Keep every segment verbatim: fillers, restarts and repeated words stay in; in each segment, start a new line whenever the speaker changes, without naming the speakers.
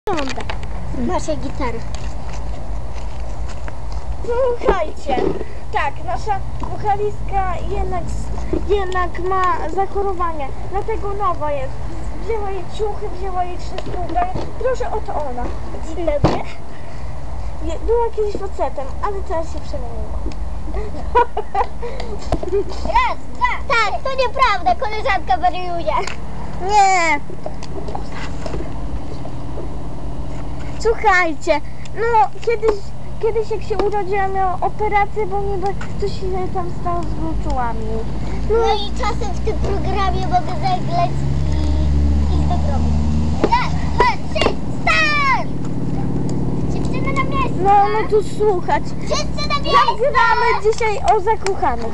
Wygląda nasza gitara.
Słuchajcie, tak, nasza wokalistka jednak, jednak ma zachorowanie, dlatego nowa jest. Wzięła jej ciuchy, wzięła jej wszystko ubranie. Proszę, oto ona.
Dzień dobry.
Je- Była kiedyś facetem, ale teraz się przemieniła.
Raz, dwa. Tak, to nieprawda, koleżanka wariuje.
Nie! Słuchajcie, no kiedyś, kiedyś jak się urodziła, miała operację, bo niby coś się tam stało z gruczołami.
No i czasem w tym programie mogę zagrać i iść do grobu. Raz, dwa, trzy, start! Dziewczyny na miejsce.
No, no tu słuchać.
Wszyscy na miejsce.
Nagrywamy dzisiaj o zakochanych.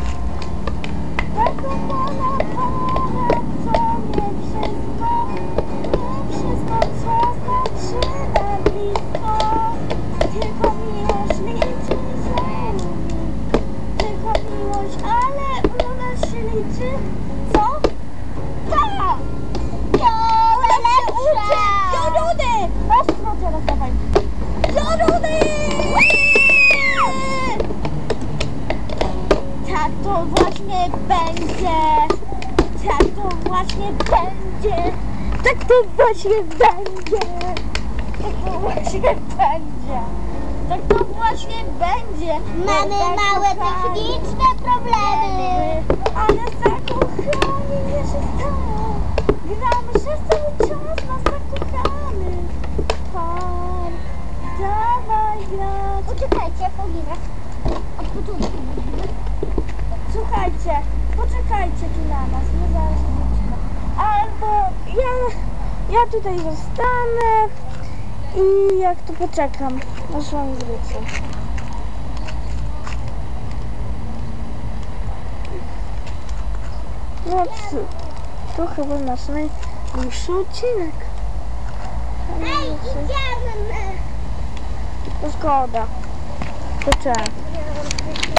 Zakochana para, co nie wszystko, nie wszystko, co znaczy na blisko. Tylko miłość liczy się, tylko miłość, ale u nas się liczy, co? Tak!
To lepsze.
Pioruny! Ostro teraz dawaj. Pioruny! Tak to właśnie będzie. Tak to właśnie będzie. Tak to właśnie będzie. Tak to właśnie będzie. Tak to właśnie będzie.
Mamy małe
Zakochani.
techniczne problemy.
Ale zakochani nie się stało. Gramy przez cały czas na zakochany. Pan, dawaj grać.
Uciekajcie, Paulina. Od początku mówimy.
Słuchajcie, poczekajcie tu na nas, my zaraz wrócimy. Albo ja, ja tutaj zostanę i jak tu poczekam, aż wam wrócę. No co, to chyba nasz najdłuższy odcinek.
Ej, idziemy.
To zgoda. To czemu?